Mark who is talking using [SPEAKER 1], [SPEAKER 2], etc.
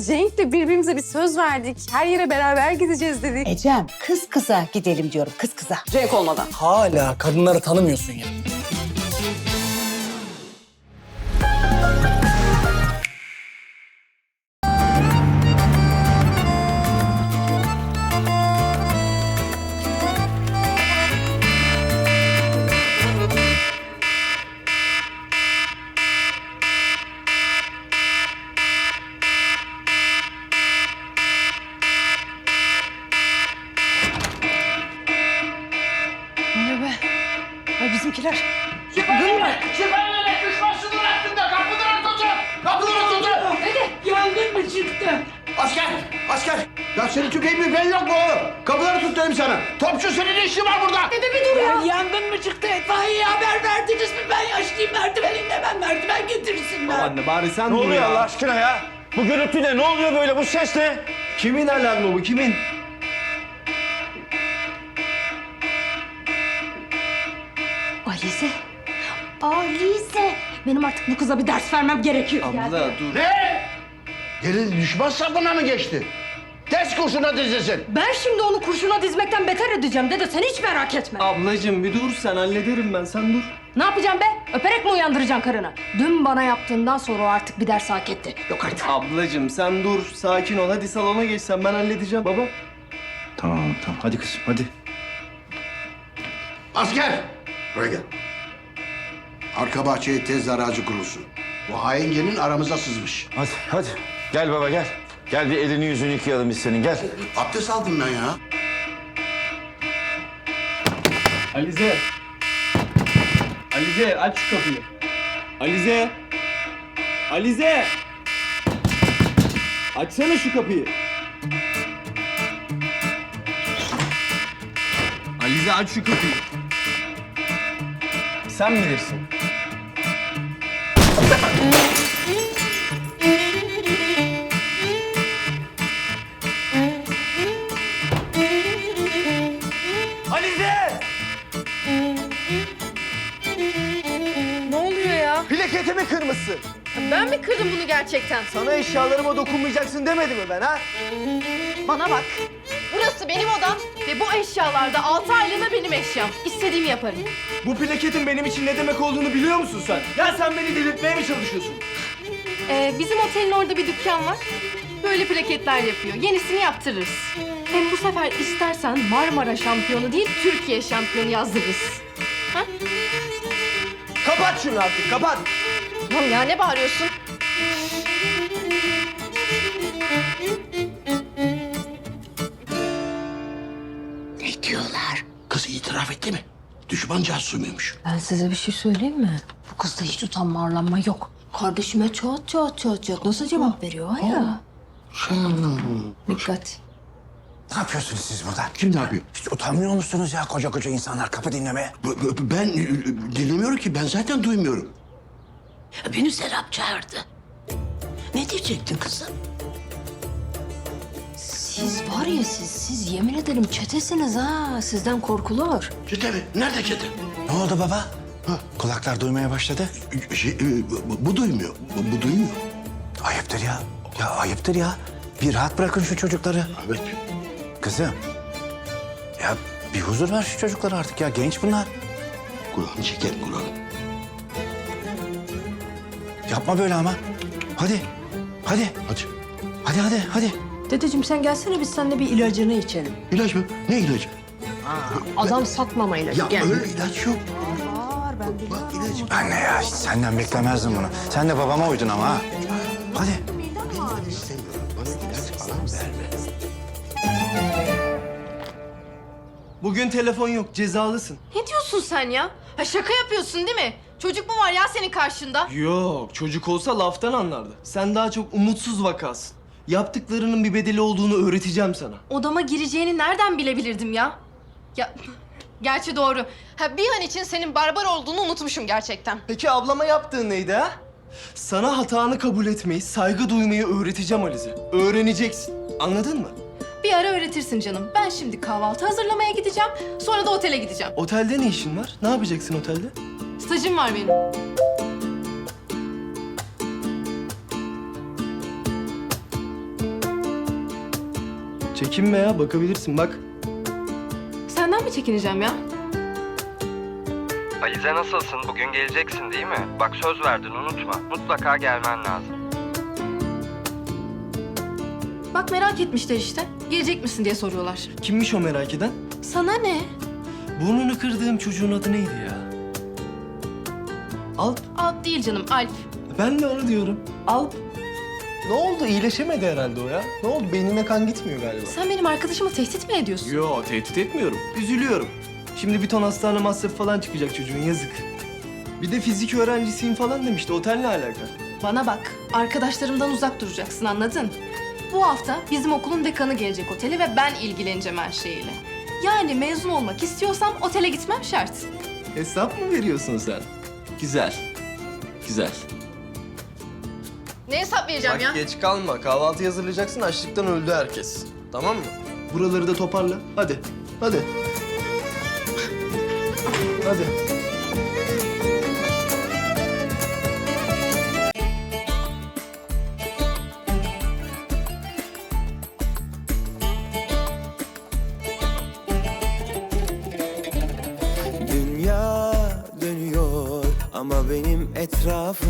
[SPEAKER 1] biz Cenk'le birbirimize bir söz verdik. Her yere beraber gideceğiz dedik.
[SPEAKER 2] Ecem, kız kıza gidelim diyorum, kız kıza.
[SPEAKER 1] Cenk olmadan.
[SPEAKER 3] Hala kadınları tanımıyorsun ya.
[SPEAKER 2] Ay bizimkiler.
[SPEAKER 4] Şüphelileri düşman sınır hattında kapıları tutun! Kapıları tutun!
[SPEAKER 2] Yangın mı çıktı?
[SPEAKER 4] Asker! Asker! Ya senin tüfeğin ben yok mu oğlum? Kapıları tut dedim sana. Topçu senin ne işin var burada?
[SPEAKER 2] Dede bir dur ya. Yangın mı çıktı? İtfaiyeye haber verdiniz mi? Ben yaşlıyım, merdiveninde ben merdiven getirsinler.
[SPEAKER 5] Anne bari sen
[SPEAKER 4] Ne
[SPEAKER 5] dur
[SPEAKER 4] oluyor
[SPEAKER 5] ya.
[SPEAKER 4] Allah aşkına ya? Bu gürültü ne? Ne oluyor böyle? Bu ses ne?
[SPEAKER 5] Kimin alarmı bu? Kimin?
[SPEAKER 2] Alize. Alize. Benim artık bu kıza bir ders vermem gerekiyor.
[SPEAKER 5] Abla dur.
[SPEAKER 4] Ne? Gelin düşman safına mı geçti? Ters kurşuna dizilsin.
[SPEAKER 2] Ben şimdi onu kurşuna dizmekten beter edeceğim dede, sen hiç merak etme.
[SPEAKER 5] Ablacığım bir dur sen hallederim ben sen dur.
[SPEAKER 2] Ne yapacaksın be? Öperek mi uyandıracaksın karını? Dün bana yaptığından sonra o artık bir ders hak etti. Yok artık.
[SPEAKER 5] Ablacığım sen dur sakin ol hadi salona geç sen ben halledeceğim baba.
[SPEAKER 4] Tamam hadi kızım hadi. Asker! Buraya gel. Arka bahçeye tez aracı kurulsun. Bu haingenin aramıza sızmış.
[SPEAKER 6] Hadi. Gel baba gel. Gel bir elini yüzünü yıkayalım biz senin gel.
[SPEAKER 4] Abdest aldım ben ya.
[SPEAKER 5] Alize. Alize aç şu kapıyı. Alize. Alize. Açsana şu kapıyı. Alize aç şu kapıyı. Sen bilirsin. Alize!
[SPEAKER 1] Ne oluyor ya?
[SPEAKER 5] Plaketimi kırmışsın.
[SPEAKER 1] Ben mi kırdım bunu gerçekten?
[SPEAKER 5] Sana eşyalarıma dokunmayacaksın demedim mi ben ha?
[SPEAKER 1] Bana bak. Burası benim odam ve bu eşyalarda 6 aylığına benim eşyam. İstediğimi yaparım.
[SPEAKER 5] Bu plaketin benim için ne demek olduğunu biliyor musun sen? Ya sen beni delirtmeye mi çalışıyorsun?
[SPEAKER 1] Bizim otelin orada bir dükkan var. Böyle plaketler yapıyor. Yenisini yaptırırız. Hem bu sefer istersen Marmara şampiyonu değil, Türkiye şampiyonu yazdırırız. Ha?
[SPEAKER 5] Kapat şunu artık, kapat.
[SPEAKER 1] Tamam ya, ne bağırıyorsun?
[SPEAKER 4] Ne diyorlar? Kız itiraf etti mi? Düşman casusuymuş.
[SPEAKER 2] Ben size bir şey söyleyeyim mi? Bu kızda hiç utanma arlanma yok. Kardeşime çat nasıl cevap veriyor ha ya? Dikkat.
[SPEAKER 6] Ne yapıyorsunuz siz burada?
[SPEAKER 4] Kim ne yapıyor?
[SPEAKER 6] Hiç utanmıyor musunuz ya koca insanlar kapı dinlemeye?
[SPEAKER 4] Ben dinlemiyorum ki. Ben zaten duymuyorum.
[SPEAKER 7] Beni Serap çağırdı. Ne diyecektin kızım?
[SPEAKER 2] Siz var ya siz yemin ederim çetesiniz ha. Sizden korkulur.
[SPEAKER 4] Çete mi? Nerede çete?
[SPEAKER 6] Ne oldu baba? Kulaklar duymaya başladı.
[SPEAKER 4] Bu duymuyor. Bu duymuyor.
[SPEAKER 6] Ayıptır ya. Ya ayıptır ya. Bir rahat bırakın şu çocukları.
[SPEAKER 4] Evet.
[SPEAKER 6] Kızım. Ya bir huzur ver şu çocuklara artık ya. Genç bunlar.
[SPEAKER 4] Kulağını çeker kulağını.
[SPEAKER 6] Yapma böyle ama. Hadi. Hadi. Hadi.
[SPEAKER 2] Dedeciğim sen gelsene biz seninle bir ilacını içelim.
[SPEAKER 4] İlaç mı? Ne ilacı?
[SPEAKER 2] Adam satmama ilacı.
[SPEAKER 4] Ya
[SPEAKER 2] Gel.
[SPEAKER 4] öyle ilaç yok.
[SPEAKER 2] Var ben biliyorum.
[SPEAKER 4] Bak ilacı.
[SPEAKER 6] Anne ya hiç senden beklemezdim bunu. Sen de babama uydun ama ha. Hadi.
[SPEAKER 4] İstemiyorum. Bana ilaç falan verme.
[SPEAKER 5] Bugün telefon yok, cezalısın.
[SPEAKER 1] Ne diyorsun sen ya? Ha, şaka yapıyorsun değil mi? Çocuk mu var ya senin karşında?
[SPEAKER 5] Yok, çocuk olsa laftan anlardı. Sen daha çok umutsuz vakasın. Yaptıklarının bir bedeli olduğunu öğreteceğim sana.
[SPEAKER 1] Odama gireceğini nereden bilebilirdim ya? Ya, gerçi doğru. Ha, bir an için senin barbar olduğunu unutmuşum gerçekten.
[SPEAKER 5] Peki ablama yaptığın neydi ha? Sana hatanı kabul etmeyi, saygı duymayı öğreteceğim Alize. Öğreneceksin. Anladın mı?
[SPEAKER 1] Bir ara öğretirsin canım. Ben şimdi kahvaltı hazırlamaya gideceğim. Sonra da otele gideceğim.
[SPEAKER 5] Otelde ne işin var? Ne yapacaksın otelde?
[SPEAKER 1] Stajım var benim.
[SPEAKER 5] Çekinme ya, bakabilirsin bak.
[SPEAKER 1] Senden mi çekineceğim ya?
[SPEAKER 8] Alize nasılsın? Bugün geleceksin değil mi? Bak söz verdin unutma. Mutlaka gelmen lazım.
[SPEAKER 1] Bak merak etmişler işte. Gelecek misin diye soruyorlar.
[SPEAKER 5] Kimmiş o merak eden?
[SPEAKER 1] Sana ne?
[SPEAKER 5] Burnunu kırdığım çocuğun adı neydi ya? Alp.
[SPEAKER 1] Alp değil canım, Alp.
[SPEAKER 5] Ben de onu diyorum. Alp. Ne oldu? İyileşemedi herhalde o ya. Ne oldu? Beynine kan gitmiyor galiba.
[SPEAKER 1] Sen benim arkadaşımı tehdit mi ediyorsun?
[SPEAKER 5] Yo, tehdit etmiyorum. Üzülüyorum. Şimdi bir ton hastane masrafı falan çıkacak çocuğun, yazık. Bir de fizik öğrencisiyim falan demişti. Otel ne alaka?
[SPEAKER 1] Bana bak, arkadaşlarımdan uzak duracaksın, anladın? Bu hafta bizim okulun dekanı gelecek otele ve ben ilgileneceğim her şeyiyle. Yani mezun olmak istiyorsam otele gitmem şart.
[SPEAKER 5] Hesap mı veriyorsun sen? Güzel. Güzel.
[SPEAKER 1] Ne hesap vereceğim
[SPEAKER 5] Bak
[SPEAKER 1] ya?
[SPEAKER 5] geç kalma. Kahvaltı hazırlayacaksın. Açlıktan öldü herkes. Tamam mı? Buraları da toparla. Hadi. Hadi. Hadi.
[SPEAKER 9] Dünya dönüyor ama benim etrafım